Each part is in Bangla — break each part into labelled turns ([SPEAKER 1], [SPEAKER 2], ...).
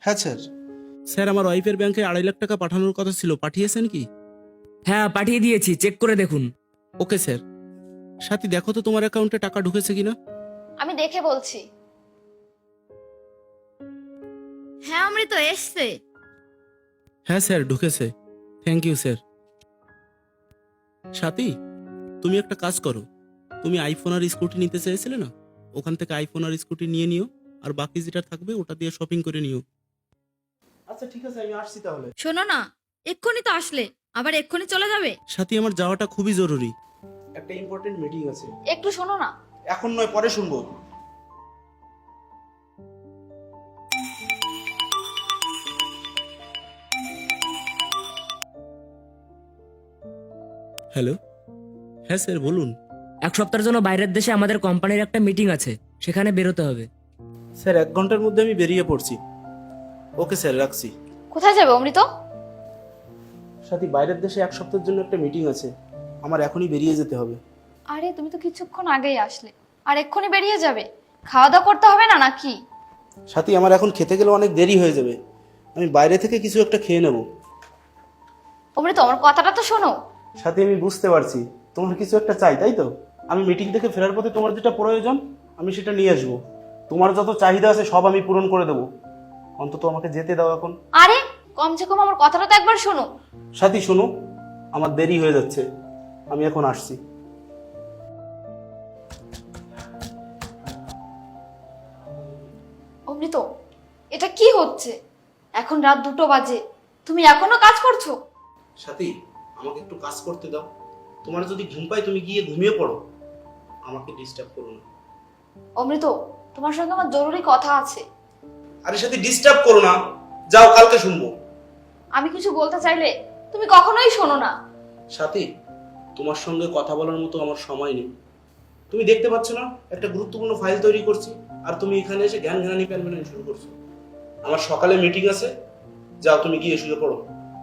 [SPEAKER 1] হ্যাঁ স্যার।
[SPEAKER 2] স্যার, আমার ওয়াইফের ব্যাংকে 2.5 লাখ টাকা পাঠানোর কথা ছিল, পাঠিয়েছেন কি?
[SPEAKER 3] হ্যাঁ পাঠিয়ে দিয়েছি, চেক করে দেখুন।
[SPEAKER 2] Okay sir. সাথী, দেখো তো তোমার অ্যাকাউন্টে টাকা ঢুকেছে কিনা।
[SPEAKER 4] আমি দেখে বলছি। হ্যাঁ অমৃত, এসছে।
[SPEAKER 2] হ্যাঁ স্যার, ঢুকেছে। Thank you sir. সাথী, তুমি একটা কাজ করো। তুমি আইফোন আর স্কুটি নিতে চেয়েছিলে না, ওখান থেকে আইফোন আর স্কুটি নিয়ে নিও, আর বাকি যেটা থাকবে ওটা দিয়ে শপিং করে নিও। আচ্ছা ঠিক আছে, আমি আসছি তাহলে।
[SPEAKER 4] শোনো না, এক্ষুনি তো আসলে, আবার এক্ষুনি চলে যাবে?
[SPEAKER 2] সাথী, আমার যাওয়াটা খুবই জরুরি, একটা ইম্পর্টেন্ট মিটিং আছে।
[SPEAKER 4] একটু শোনো না।
[SPEAKER 2] এখন নয়, পরে শুনবো। হ্যালো। হ্যাঁ স্যার, বলুন।
[SPEAKER 3] 1 সপ্তাহের জন্য বাইরের দেশে আমাদের কোম্পানির একটা মিটিং আছে, সেখানে বেরোতে হবে।
[SPEAKER 2] স্যার, 1 ঘন্টার মধ্যে আমি বেরিয়ে পড়ছি। ওকে স্যার, রাখছি।
[SPEAKER 4] কোথায় যাবে অমৃত?
[SPEAKER 2] সাথী, বাইরের দেশে 1 সপ্তাহের জন্য একটা মিটিং আছে, আমার এখনই বেরিয়ে যেতে হবে।
[SPEAKER 4] আরে তুমি তো কিছুক্ষণ আগেই আসলে, আর এক্ষুনি বেরিয়ে যাবে? খাওয়া দাওয়া করতে হবে না নাকি?
[SPEAKER 2] সাথী, আমার এখন খেতে গেলে অনেক দেরি হয়ে যাবে, আমি বাইরে থেকে কিছু একটা খেয়ে নেব।
[SPEAKER 4] অমৃত, আমার কথাটা তো শোনো।
[SPEAKER 2] সাথী, আমি বুঝতে পারছি তোমার কিছু একটা চাই, তাই তো? আমি মিটিং থেকে ফেরার পথে তোমার যেটা প্রয়োজন আমি সেটা নিয়ে আসবো। তোমার যত চাহিদা আছে সব আমি পূরণ করে দেবো, অন্তত আমাকে যেতে দাও এখন।
[SPEAKER 4] আরে কমসে কম আমার কথাটা তো একবার শোনো।
[SPEAKER 2] সাথী শোনো, আমার দেরি হয়ে যাচ্ছে, আমি এখন আসছি।
[SPEAKER 4] অমৃত, এটা কি হচ্ছে? এখন রাত 2টো বাজে, তুমি এখনো কাজ করছো?
[SPEAKER 2] সাথী, আমাকে একটু কাজ করতে দাও। তোমার যদি ঘুম পায় তুমি গিয়ে ঘুমিয়ে পড়ো, আমাকে ডিস্টার্ব করো না।
[SPEAKER 4] অমৃত, তোমার সঙ্গে আমার জরুরি কথা আছে।
[SPEAKER 2] আরে সাথী, ডিস্টার্ব করো না, যাও, কালকে শুনবো।
[SPEAKER 4] আমি কিছু বলতে চাইলে তুমি কখনোই শোনো না।
[SPEAKER 2] সাথী, তোমার সঙ্গে কথা বলার মতো আমার সময় নেই। তুমি দেখতে পাচ্ছ না একটা গুরুত্বপূর্ণ ফাইল তৈরি করছি, আর তুমি এখানে এসে জ্ঞান জ্ঞানী প্যানপ্যানানি শুরু করছো। আমার সকালে মিটিং আছে, যাও তুমি গিয়ে শুয়ে পড়ো।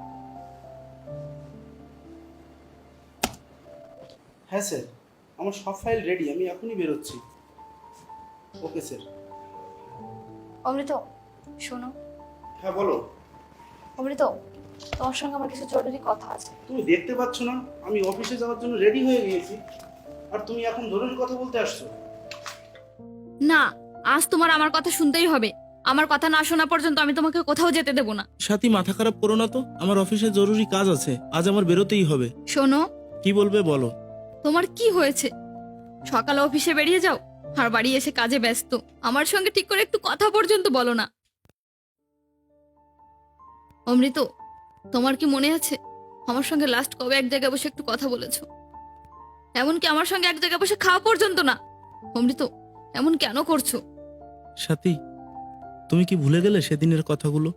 [SPEAKER 2] হ্যাঁ স্যার, আমার সব ফাইল রেডি, আমি এখনই বেরোচ্ছি। Okay sir.
[SPEAKER 4] অমৃত শোনো।
[SPEAKER 2] হ্যাঁ বলো।
[SPEAKER 4] অমৃত, তোমার সঙ্গে আমার কিছু জরুরি কথা আছে।
[SPEAKER 2] তুমি দেখতে পাচ্ছ না আমি অফিসে যাওয়ার জন্য রেডি হয়ে গিয়েছি, আর তুমি এখন জরুরি কথা বলতে আসছো?
[SPEAKER 4] না, আজ তোমার আমার কথা শুনতেই হবে। আমার কথা না শোনা পর্যন্ত আমি তোমাকে কোথাও যেতে দেব না।
[SPEAKER 2] সাথী, মাথা খারাপ করো না তো, আমার অফিসে জরুরি কাজ আছে, আজ আমার বেরোতেই হবে।
[SPEAKER 4] শোনো।
[SPEAKER 2] কি বলবে বলো।
[SPEAKER 4] তোমার কি হয়েছে? সকালে অফিসে বেরিয়ে যাও, আর বাড়ি এসে কাজে ব্যস্ত। আমার সঙ্গে ঠিক করে একটু কথা পর্যন্ত বলো না। অমৃত, তোমার কি মনে আছে আমার সঙ্গে লাস্ট কবে এক জায়গায় বসে একটু কথা বলেছো? এমনকি আমার সঙ্গে এক জায়গায় বসে খাওয়া পর্যন্ত না। অমৃত, এমন কেন করছো?
[SPEAKER 2] সাথী, তুমি কি ভুলে গেলে সেদিনের কথাগুলো?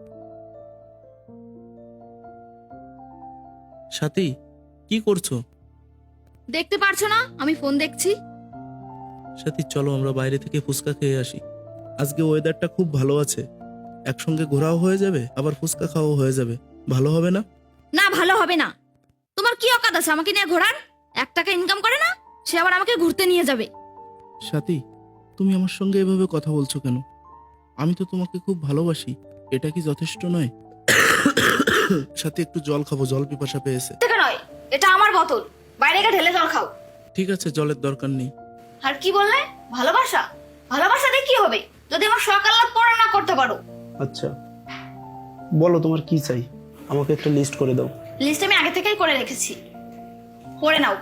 [SPEAKER 2] সাথী, কি করছো?
[SPEAKER 4] দেখতে পারছো না আমি ফোন দেখছি?
[SPEAKER 2] সাথী, চলো আমরা বাইরে থেকে ফুচকা খেয়ে আসি, আজকে ওয়েদারটা খুব ভালো আছে, একসঙ্গে ঘোরাও হয়ে যাবে আবার ফুচকা খাওয়াও হয়ে যাবে, ভালো হবে না?
[SPEAKER 4] না, ভালো হবে না। তোমার কি অকাত আছে আমাকে নিয়ে ঘোরার? 1 টাকা ইনকাম করে না, সে আবার আমাকে ঘুরতে নিয়ে যাবে।
[SPEAKER 2] সাথী, তুমি আমার সঙ্গে এভাবে কথা বলছো কেন? আমি তো তোমাকে খুব ভালোবাসি, এটা কি যথেষ্ট নয়? সাথী, একটু জল খাবো, জল পিপাসা পেয়েছে।
[SPEAKER 4] থেকে নয়, এটা আমার বোতল, বাইরে গিয়ে ঢেলে জল খাও।
[SPEAKER 2] ঠিক আছে, জলের দরকার নেই।
[SPEAKER 4] আর কি বললে? ভালোবাসা? ভালোবাসা দিয়ে কি হবে যদি আমার সকাল রাত পড়া না করতে পারো?
[SPEAKER 2] আচ্ছা বলো, তোমার কি চাই, আমাকে একটা লিস্ট করে দাও।
[SPEAKER 4] লিস্ট আমি আগে থেকেই করে রেখেছি, পড়ে নাও।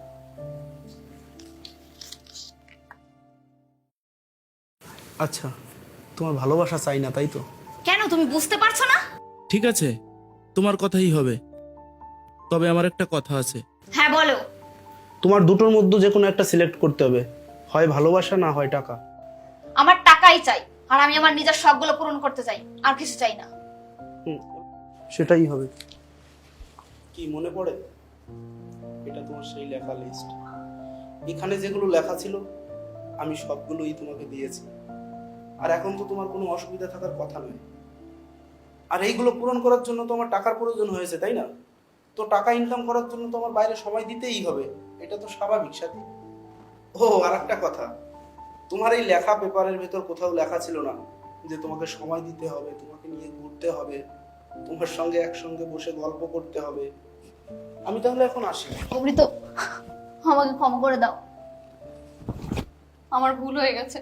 [SPEAKER 2] আচ্ছা, তোমার ভালোবাসা চাই না তাই তো?
[SPEAKER 4] কেন, তুমি বুঝতে পারছো না?
[SPEAKER 2] ঠিক আছে, তোমার কথাই হবে, তবে আমার একটা কথা আছে।
[SPEAKER 4] হ্যাঁ বলো।
[SPEAKER 2] তোমার দুটোর মধ্যে যে কোনো একটা সিলেক্ট করতে হবে, হয় ভালোবাসা না হয় টাকা।
[SPEAKER 4] আমার টাকাই চাই, আর আমি আমার নিজের শখগুলো পূরণ করতে চাই, আর কিছু চাই না।
[SPEAKER 2] সেটাই হবে। কি মনে পড়ে, এটা তোমার সেই লেখা লিস্ট। এখানে যেগুলো লেখা ছিল আমি সবগুলোই তোমাকে দিয়েছি, আর এখন তো তোমার কোনো অসুবিধা থাকার কথা নয়। আর এইগুলো পূরণ করার জন্য তো আমার টাকার প্রয়োজন হয়েছে, তাই না? তো টাকা ইনকাম করার জন্য তো আমার বাইরে সময় দিতেই হবে, এটা তো স্বাভাবিক সাথী। ও আর একটা কথা, তোমার এই লেখা পেপারের ভেতর কোথাও লেখা ছিল না যে তোমাকে সময় দিতে হবে, তোমাকে নিয়ে ঘুরতে হবে, তোমার সঙ্গে একসঙ্গে বসে গল্প করতে হবে। আমি তাহলে এখন আসি।
[SPEAKER 4] অমৃত, আমাকে ক্ষমা করে দাও, আমার ভুল হয়ে গেছে।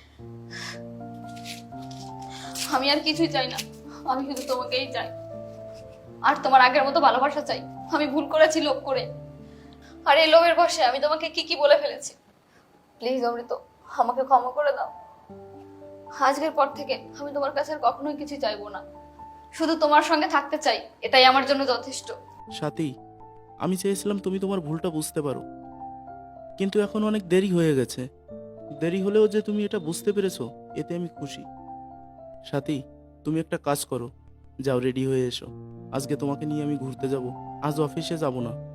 [SPEAKER 4] আমি আর কিছুই চাই না, আমি শুধু তোমাকেই চাই, আর তোমার আগের মতো ভালোবাসা চাই। আমি ভুল করেছি লোভ করে, আর এই লোভের বশে আমি তোমাকে কি কি বলে ফেলেছি। প্লিজ অমৃত, আমাকে ক্ষমা করে দাও। আজকের পর থেকে আমি তোমার কাছে আর কখনোই কিছু চাইবো না, শুধু তোমার সঙ্গে থাকতে চাই, এটাই আমার জন্য যথেষ্ট।
[SPEAKER 1] সাথী, আমি চেয়েছিলাম তুমি তোমার ভুলটা বুঝতে পারো, কিন্তু এখন অনেক দেরি হয়ে গেছে। দেরি হলেও যে তুমি এটা বুঝতে পেরেছো, এতে আমি খুশি। সাথী, তুমি একটা কাজ করো, যাও রেডি হয়ে এসো। আজকে তোমাকে নিয়ে আমি ঘুরতে যাব, আজ অফিসে যাব না।